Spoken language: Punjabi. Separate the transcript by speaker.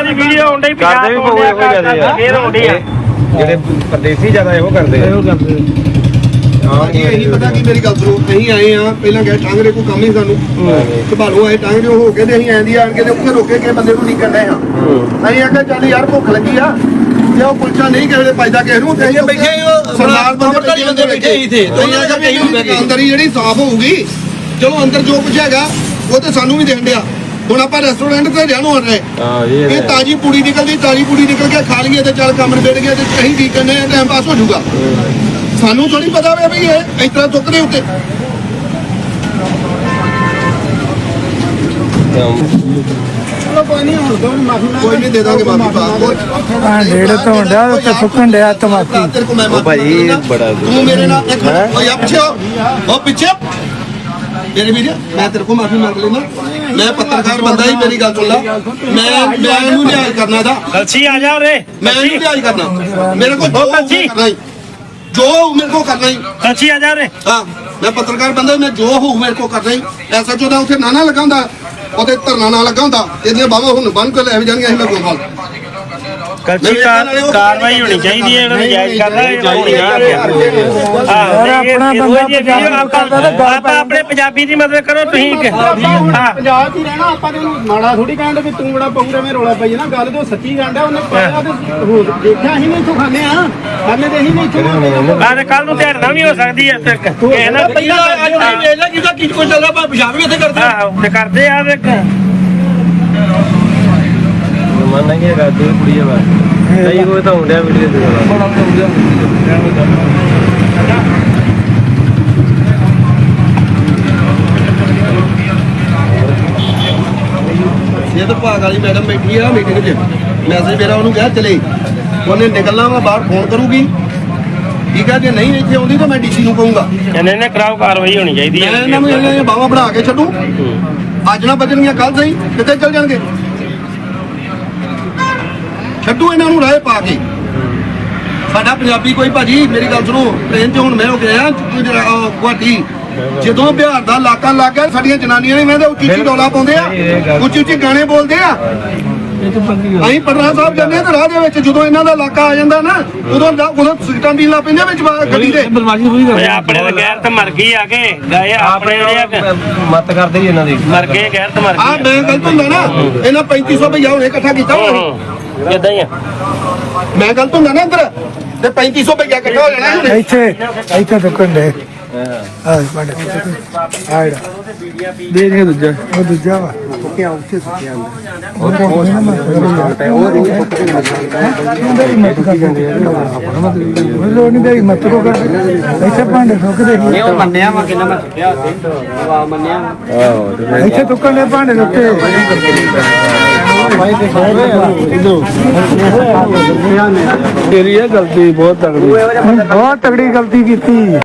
Speaker 1: ਦੀ ਵੀਡੀਓ ਆਉਂਦੀ ਕਰਦੇ ਵੀ ਬਹੁਤ ਇਹੋ ਜਿਆਦੇ ਆ ਫੇਰ ਆਉਂਦੀ ਆ
Speaker 2: ਜਿਹੜੇ ਪਰਦੇਸੀ ਜ਼ਿਆਦਾ ਇਹੋ ਕਰਦੇ
Speaker 3: ਹਾਂ ਜੀ ਇਹੀ ਪਤਾ ਕੀ ਮੇਰੀ ਗੱਲ ਸੁਣੋ ਅਸੀਂ ਆਏ ਆ ਪਹਿਲਾਂ ਗਏ ਟਾਂਗਰੇ ਕੋਈ ਕੰਮ ਹੀ ਸਾਨੂੰ ਸੰਭਾਲੋ ਆਏ ਟਾਂਗਰੇ ਹੋ ਕੇ ਤੇ ਅਸੀਂ ਆਂਦੀ ਆਣ ਕੇ ਤੇ ਉੱਥੇ ਰੋਕੇ ਕੇ ਬੰਦੇ ਨੂੰ ਨਹੀਂ ਕਰਨਾ ਆ ਅਸੀਂ ਆਖਿਆ ਚੱਲ ਯਾਰ ਭੁੱਖ ਲੱਗੀ ਆ ਤੇ ਉਹ ਕੁਲਚਾ ਨਹੀਂ ਕਿਸੇ ਦੇ ਪਾਈਦਾ ਕਿਸੇ ਨੂੰ ਤੇ ਬੈਠੇ ਸਰਦਾਰ ਬੰਦੇ ਬੈਠੇ ਹੀ ਥੇ ਤੁਸੀਂ ਆਖਿਆ ਵੀ ਅੰਦਰ ਹੀ ਜਿਹੜੀ ਸਾਫ਼ ਹੋਊਗੀ ਚਲੋ ਅੰਦਰ ਜੋ ਕੁਝ ਹੈਗਾ ਉਹ ਤੇ ਸਾਨੂੰ ਵੀ ਦੇਣ ਡਿਆ ਹੁਣ ਆਪਾਂ ਰੈਸਟੋਰੈਂਟ ਤੇ ਜਾਣੋ ਆ ਰਹੇ ਇਹ ਤਾਜੀ ਪੂੜੀ ਨਿਕਲਦੀ ਤਾਜੀ ਪੂੜੀ ਨਿਕਲ ਕੇ ਖਾ ਲਈਏ ਤੇ ਚੱਲ ਕੰਮ ਨਿਬੜ ਗਿਆ ਤੇ ਅਸੀਂ ਕੀ ਕਰਨੇ ਆ ਟਾਈਮ ਪਾਸ ਹੋ ਜਾਊਗਾ ਸਾਨੂੰ ਥੋੜੀ ਪਤਾ ਹੋਵੇ ਵੀ ਇਹ ਇਸ ਤਰ੍ਹਾਂ ਚੁੱਕਦੇ ਉੱਤੇ ਚਲੋ ਕੋਈ ਨਹੀਂ ਹੁਣ ਦੋ ਮਾਫੀ ਕੋਈ ਨਹੀਂ ਦੇ ਦਾਂਗੇ ਮਾਫੀ
Speaker 4: ਆ ਡੇਢ ਤੋਂ ਹੁੰਦਾ ਤੇ ਸੁੱਕਣ ਡਿਆ ਤਮਾਕੀ
Speaker 2: ਉਹ ਭਾਈ ਬੜਾ
Speaker 3: ਤੂੰ ਮੇਰੇ ਨਾਲ ਇੱਕ ਓਏ ਆ ਪਿੱਛੇ ਉਹ ਪਿੱਛੇ ਮੇਰੇ ਵੀਰ ਮੈਂ ਤੇਰੇ ਕੋਲ ਮਾਫੀ ਮੰਗ ਲੈਣਾ ਮੈਂ ਪੱਤਰਕਾਰ ਬੰਦਾ ਹੀ ਮੇਰੀ ਗੱਲ ਸੁਣ ਲੈ ਮੈਂ ਇਹਨੂੰ ਲਿਆਜ ਕਰਨਾ ਦਾ
Speaker 1: ਕਲਸੀ ਆ ਜਾ ਉਰੇ
Speaker 3: ਮੈਂ ਇਹਨੂੰ ਲਿਆਜ ਕਰਨਾ ਮੇਰੇ ਕੋਲ ਜੋ ਕਰਨਾ ਹੀ ਜੋ ਮੇਰੇ ਕੋ ਕਰਨਾ ਹੀ
Speaker 1: ਕਲਸੀ ਆ ਜਾ ਉਰੇ
Speaker 3: ਹਾਂ ਮੈਂ ਪੱਤਰਕਾਰ ਬੰਦਾ ਮੈਂ ਜੋ ਹੋਊ ਮੇਰੇ ਕੋ ਕਰਨਾ ਹੀ ਐਸਾ ਚੋਦਾ ਉੱਥੇ ਨਾਨਾ ਲਗਾਉਂਦਾ ਉਹਦੇ ਧਰਨਾ ਨਾਲ ਲਗਾਉਂਦਾ ਇਹਦੀਆਂ ਬਾਹਾਂ ਹੁਣ ਬੰਨ ਕੇ ਲੈ ਜਾਣਗੀਆਂ ਅਸੀਂ ਲੱਗੋ ਫਲ
Speaker 1: ਕਲਸੀ ਕਾਰਵਾਈ ਹੋਣੀ ਚਾਹੀਦੀ ਹੈ ਇਹਨਾਂ ਨੂੰ ਜਾਇਜ਼ ਕਰਨਾ ਆਪਾਂ ਆਪਣੇ ਪੰਜਾਬੀ ਦੀ ਮਦਦ ਕਰੋ ਤੁਸੀਂ
Speaker 5: ਪੰਜਾਬ 'ਚ ਹੀ ਰਹਿਣਾ ਆਪਾਂ ਤੇ ਉਹਨੂੰ ਮਾੜਾ ਥੋੜੀ ਕਹਿੰਦੇ ਵੀ ਤੂੰ ਬੜਾ ਪਊ ਐਵੇਂ ਰੌਲਾ ਪਾਈ ਨਾ ਗੱਲ ਤੇ ਸੱਚੀ ਕਹਿੰਦਾ ਉਹਨੇ ਪਾਇਆ ਤੇ ਦੇਖਿਆ ਅਸੀਂ ਨਹੀਂ ਇੱਥੋਂ ਖਾਂਦੇ ਆ ਖਾਂਦੇ ਤੇ ਅਸੀਂ ਨਹੀਂ ਇੱਥੋਂ
Speaker 1: ਆਹ ਕੱਲ ਨੂੰ ਧਿਆਨ ਵੀ ਹੋ ਸਕਦੀ ਹੈ ਫਿਰ ਨਾ
Speaker 3: ਪਹਿਲਾਂ ਅੱਜ ਵੀ ਵੇਖ ਲੈ ਜਿਹਦਾ ਕੀ ਕੁਝ ਚੱਲਦਾ ਪਰ ਪਿਸ਼ਾਬ ਵੀ ਇੱਥੇ ਕਰਦੇ
Speaker 1: ਆਹ ਤੇ ਕਰਦੇ ਆ ਦੇਖ
Speaker 2: ਮਨ ਨਹੀਂ ਹੈਗਾ ਦੋ ਕੁੜੀਆਂ ਵਾ ਕਈ ਕੋਈ ਤਾਂ ਹੁੰਦਿਆ ਵੀਡੀਓ ਦੇ
Speaker 3: ਇਹ ਤਾਂ ਭਾਗ ਵਾਲੀ ਮੈਡਮ ਬੈਠੀ ਆ ਮੀਟਿੰਗ 'ਚ ਮੈਸੇਜ ਮੇਰਾ ਉਹਨੂੰ ਕਿਹਾ ਚਲੇ ਉਹਨੇ ਨਿਕਲਣਾ ਵਾ ਬਾਹਰ ਫੋਨ ਕਰੂਗੀ ਠੀਕ ਆ ਜੇ ਨਹੀਂ ਇੱਥੇ ਆਉਂਦੀ ਤਾਂ ਮੈਂ ਡੀਸੀ ਨੂੰ ਕਹੂੰਗਾ
Speaker 1: ਇਹਨੇ ਕਰਾਓ ਕਾਰਵਾਈ ਹੋਣੀ ਚਾਹੀਦੀ ਹੈ
Speaker 3: ਮੈਂ ਇਹਨਾਂ ਨੂੰ ਇਹਨਾਂ ਬਾਹਾਂ ਬਣਾ ਕੇ ਛੱਡੂ ਅੱਜ ਨਾ ਬਚਣਗੀਆਂ ਕੱਲ ਸਹੀ ਕਿੱਥੇ ਚੱਲ ਜਾਣਗੇ ਛੱਡੂ ਇਹਨਾਂ ਨੂੰ ਰਾਹ ਪਾ ਕੇ ਸਾਡਾ ਪੰਜਾਬੀ ਕੋਈ ਭਾਜੀ ਮੇਰੀ ਗੱਲ ਸੁਣੋ ਟ੍ਰੇਨ 'ਚ ਹੁਣ ਮੈਂ ਹੋ ਗਿਆ ਗੁਹਾਟੀ ਜਦੋਂ ਬਿਹਾਰ ਦਾ ਇਲਾਕਾ ਲੱਗ ਗਿਆ ਸਾਡੀਆਂ ਜਨਾਨੀਆਂ ਨੇ ਮੈਂ ਉੱਚੀ ਉੱਚੀ ਡੋਲਾ ਪਾਉਂਦੇ ਆ ਉੱਚੀ ਉੱਚੀ ਗਾਣੇ ਬੋਲਦੇ ਆ ਅਸੀਂ ਪਟਨਾ ਸਾਹਿਬ ਜਾਂਦੇ ਆ ਤੇ ਰਾਹ ਦੇ ਵਿੱਚ ਜਦੋਂ ਇਹਨਾਂ ਦਾ ਇਲਾਕਾ ਆ ਜਾਂਦਾ ਨਾ ਉਦੋਂ ਸਿਗਟਾਂ ਪੀਣ ਲੱਗ ਪੈਂਦੇ ਵਿੱਚ ਗੱਡੀ ਦੇ
Speaker 1: ਆਪਣੇ ਤਾਂ ਗੈਰਤ ਮਰ ਗਈ ਆ ਕੇ ਗਏ ਆਪਣੇ ਜਿਹੜੇ
Speaker 2: ਮਤ ਕਰਦੇ ਹੀ ਇਹਨਾਂ ਦੀ
Speaker 1: ਮਰ ਗਏ ਗੈਰਤ ਮਰ
Speaker 3: ਆ
Speaker 1: ਗਈ
Speaker 3: ਮੈਂ ਗਲਤ ਹੁੰਦਾ ਨਾ ਇਹਨਾਂ 3500 ਰੁਪਇਆ ਹੁਣੇ ਇਕੱਠਾ ਕੀਤਾ ਹੋਣਾ
Speaker 1: ਇਦਾਂ ਹੀ ਆ
Speaker 3: ਮੈਂ ਗਲਤ ਹੁੰਦਾ ਨਾ ਇੱਧਰ ਤੇ 3500 ਰੁਪਇਆ ਇਕੱਠਾ ਹੋ ਜਾਣਾ
Speaker 4: ਇੱਥੇ ਦੁੱਕਣ ਦੇ ਆ ਬੜੇ ਆਇੜਾ ਦੇ ਦੇ ਦੂਜਾ ਉਹ ਦੂਜਾ ਵਾ ਕਿ ਆ ਉੱਥੇ ਸੁੱਕਿਆ ਉਹ ਹੋਣੇ ਨਾ ਲੋੜ ਨਹੀਂ ਦੇ ਮਤ ਕੋ ਕਰ ਇੱਥੇ ਭਾਂਡੇ ਸੁੱਕਦੇ
Speaker 5: ਨਹੀਂ ਉਹ ਮੰਨਿਆ ਵਾ ਕਿੰਨਾ ਮੈਂ ਸੁੱਟਿਆ ਉੱਥੇ ਵਾ ਮੰਨਿਆ
Speaker 2: ਆਹੋ
Speaker 4: ਇੱਥੇ ਦੁੱਕਣ ਦੇ ਭਾਂਡੇ ਉੱਤੇ
Speaker 2: ਤੇਰੀ ਇਹ ਗਲਤੀ ਬਹੁਤ ਤਗੜੀ
Speaker 4: ਬਹੁਤ ਤਗੜੀ ਗਲਤੀ ਕੀਤੀ